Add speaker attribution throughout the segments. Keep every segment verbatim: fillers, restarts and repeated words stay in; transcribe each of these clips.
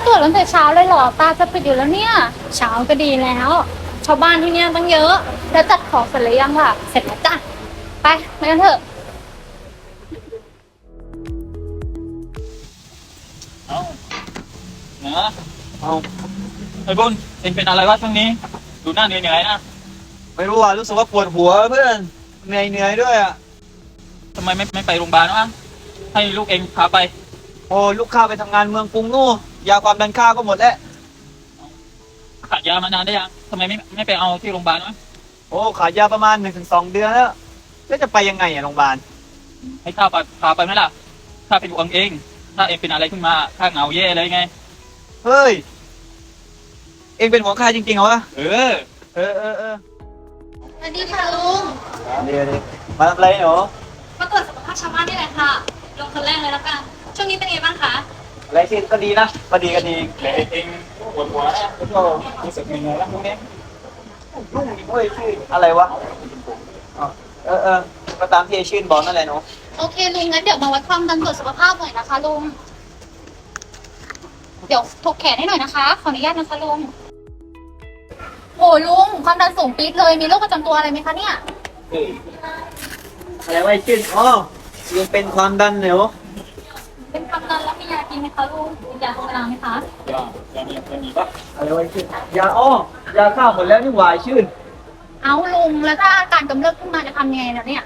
Speaker 1: วจตั้งแต่เช้าเลยเหรอตาจะปิดอยู่แล้วเนี่ยเช้าก็ดีแล้วชาวบ้านที่เนี่ยตั้งเยอะแล้วจัดของเสร็จหรือยังล่ะเสร็จแล้วจ้ะไปไปกันเถอะ
Speaker 2: เอาเนาะเอาไอ้บุญเองเป็นอะไรวะช่วงนี้ดูหน้าเหนื่อยๆนะ
Speaker 3: ไม่รู้อ่ะรู้สึกว่าปวดหัวเพื่อนเหนื่อยเหนื่อยด้วยอ่ะ
Speaker 2: ทำไมไม่ไม่ไปโรงพยาบาลวะให้ลูกเองพาไป
Speaker 3: โอ้ลูกข้าไปทำงานเมืองกรุงนู่นยาความดันข้าก็หมดแล้ว
Speaker 2: ขาดยามานานได้ยังทำไมไม่ไม่ไปเอาที่โรงพยาบาลวะ
Speaker 3: โอ้ขายยาประมาณหนึ่งถึงสองเดือนแล้วแล้วจะไปยังไงอ่ะโรงพยาบาล
Speaker 2: ให้ข้าไปพาไปไหมล่ะข้าเป็นห่วงเองถ้าเองเป็นอะไรขึ้นมาข้าเหงาแย่เลยไง
Speaker 3: เฮ้ยเองเป็นหัวข้าจริงๆเหรอวะ
Speaker 2: เออ
Speaker 3: เออเออเออ
Speaker 1: สวัสดีค่ะลุง
Speaker 3: เดี๋ยวเดี๋ยวมาทำอะไรหนู
Speaker 1: มาตรวจสุขภาพชาวบ้านนี่แหละค่ะลงคนแรกเลยแล้วกันช่วงนี้เป็นไงบ้างคะ
Speaker 3: อะไรสิก็ดีนะก็ดีก็ดี
Speaker 2: แต่เองปวดหัวนะแล้วก็รู้สึกเหนื่อยแล้วพวกนี้
Speaker 3: ลุงอีกเว้ยชื่ออะไรวะอ๋อเออเออก็ตามที่ไอ้ชื่นบอกนั่นแหละหนู
Speaker 1: โอเคลุงงั้นเดี๋ยวมาวัดความดันตรวจสุขภาพหน่อยนะคะลุงเดี๋ยวถกแขนให้หน่อยนะคะขออนุญาตนะคะลุงโอ้ลุงความดันสูงปี๊ดเลยมีโรคประจำตัวอะไรไหมคะเนี่ย
Speaker 3: อะไรวะไอ้ชื่นอ๋อยังเป็นความดันเหนียว
Speaker 1: เป็นความดันแล้วมียากินไหมคะลุงมียาตรงเวลาไหมคะ
Speaker 2: ยา ยามียามีปะ
Speaker 3: อะไรวะชื่นยาอ้อยาข้าวหมดแล้วนี่หวายชื่น
Speaker 1: เอาลุงแล้วถ้าอาการกำเริบขึ้นมาจะทำยังไงนะเนี่ย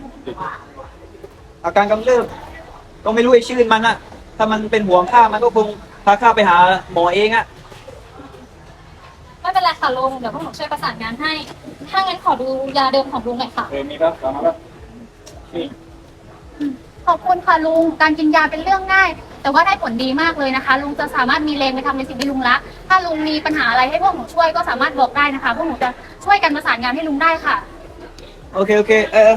Speaker 3: อาการกำเริบก็ไม่รู้ไอ้ชื่นมันอะถ้ามันเป็นห่วงข้ามันก็คงพาข้าไปหาหมอเองอะ
Speaker 1: ไม่เป็นไรค่ะลุงเดี๋ยวพวกหนูช่วยประสานงานให้ถ้างั้นขอดูยาเดิมของลุงหน่อยค่ะ
Speaker 2: เออมีปะฟังมาปะนี่
Speaker 1: ขอบคุณค่ะลุงการกินยาเป็นเรื่องง่ายแต่ว่าได้ผลดีมากเลยนะคะลุงจะสามารถมีแรงไปทำในสิ่งที่ลุงรักถ้าลุงมีปัญหาอะไรให้พวกหนูช่วยก็สามารถบอกได้นะคะพวกหนูจะช่วยกันประสานงานให้ลุงได้ค่ะ
Speaker 3: โอเคโอเคเออ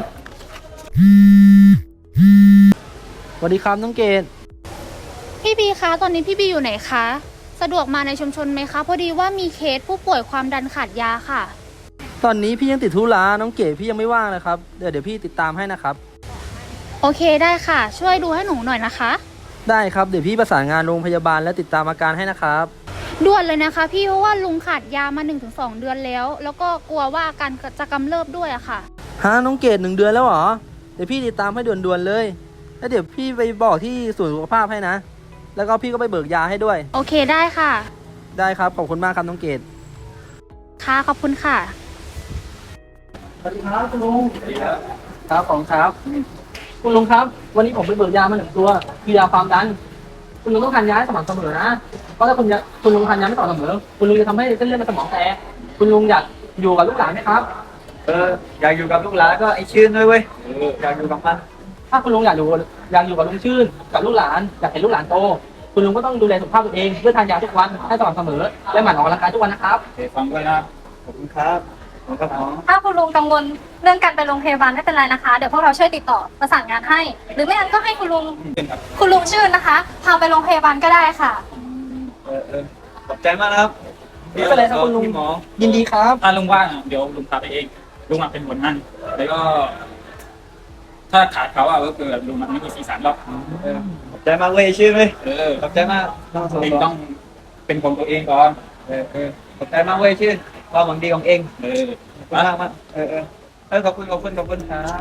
Speaker 4: สวัสดีครับน้องเกด
Speaker 1: พี่บีคะตอนนี้พี่บีอยู่ไหนคะสะดวกมาในชุมชนไหมคะพอดีว่ามีเคสผู้ป่วยความดันขาดยาค่ะ
Speaker 4: ตอนนี้พี่ยังติดธุระน้องเกดพี่ยังไม่ว่างเลยครับเดี๋ยวเดี๋ยวพี่ติดตามให้นะครับ
Speaker 1: โอเคได้ค่ะช่วยดูให้หนูหน่อยนะคะ
Speaker 4: ได้ครับเดี๋ยวพี่ประสานงานโรงพยาบาลและติดตามอาการให้นะครับ
Speaker 1: ด่วนเลยนะคะพี่เพราะว่าลุงขาดยามา หนึ่งถึงสอง เดือนแล้วแล้วก็กลัวว่าอาการจะกำเริบด้วยอะค่ะ
Speaker 4: ฮะน้องเกดหนึ่งเดือนแล้วเหรอเดี๋ยวพี่ติดตามให้ด่วนๆเลยแล้วเดี๋ยวพี่ไปบอกที่ศูนย์สุขภาพให้นะแล้วก็พี่ก็ไปเบิกยาให้ด้วย
Speaker 1: โอเคได้ค่ะ
Speaker 4: ได้ครับขอบคุณมากครับน้องเกด
Speaker 1: ค่ะขอบคุณค่ะ
Speaker 4: สวัสดีครับคุณลุงสวัสดีครับครับของครับคุณลุงครับวันนี้ผมไปเบิกยามาหนึ่งตัวคือยาความดันคุณลุงต้องทานยาให้สม่ำเสมอนะเพราะถ้าคุณคุณลุงทานยาไม่ต่อเสมอคุณลุงจะทำให้เส้นเลือดในสมองแตกคุณลุงอยากอยู่กับลูกหลานไหมครับ
Speaker 3: เอออยากอยู่กับลูกหลานก็ไอ้ชื่นด้วยเว้ยอยากอยู่กับมัน
Speaker 4: ถ้าคุณลุงอยากอยู่อยากอยู่กับลุงชื่นกับลูกหลานอยากเห็นลูกหลานโตคุณลุงก็ต้องดูแลสุขภาพตัวเองเพื่อทานยาทุกวันให้สม่ำเสมอและหมั่นออกกำลังกายทุกวันนะครับ
Speaker 2: เดี๋ยวฟังด้วยนะ
Speaker 3: ขอบคุณครับ
Speaker 1: ถ้าคุณลุงกังวลเรื่องการไปโรงพยาบาลไม่เป็นไรนะคะเดี๋ยวพวกเราช่วยติดต่อประสานงานให้หรือไม่งั้นก็ให้คุณลุงคุณลุงชื่นนะคะพาไปโรงพยาบาลก็ได้ค่ะ
Speaker 3: เออเออขอบใจมากนะครับ
Speaker 4: ไม่เป็นไรครับคุณลุง
Speaker 3: หมอ
Speaker 4: ยินดีครับ
Speaker 2: ถ้าลุงว่างเดี๋ยวลุงพาไปเองลุงเป็นคนนั่นแล้วก็ถ้าขาดเขาอ่ะก็คือลุงมันไม่มีสีสันหรอก
Speaker 3: ขอบใจมากเว้ยชื่นเว้ย
Speaker 2: เออ
Speaker 3: ขอบใจมาก
Speaker 2: เองต้องเป็นคนตัวเองก่อน
Speaker 3: เออเออขอบใจมากเว้ยชื่นความหวังดีของเอง
Speaker 2: เออ
Speaker 3: มากมากเออเออเออขอบคุณขอบคุณขอบคุณครับ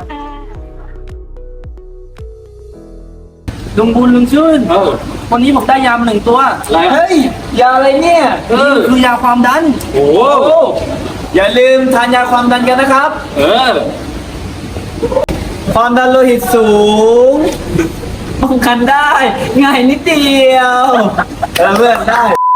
Speaker 4: ลุงบุญลุงชื่น
Speaker 2: เออ
Speaker 4: วันนี้ผมได้ยามาหนึ่งตัว
Speaker 3: เฮ้ยยาอะไรเนี่ย
Speaker 4: เออคือยาความดัน
Speaker 3: โอ้อย่าลืมทานยาความดันกันนะครับ
Speaker 2: เออ
Speaker 3: ความดันโลหิตสูงป้องกันได้ง่ายนิดเดียวเออเพื่อนได้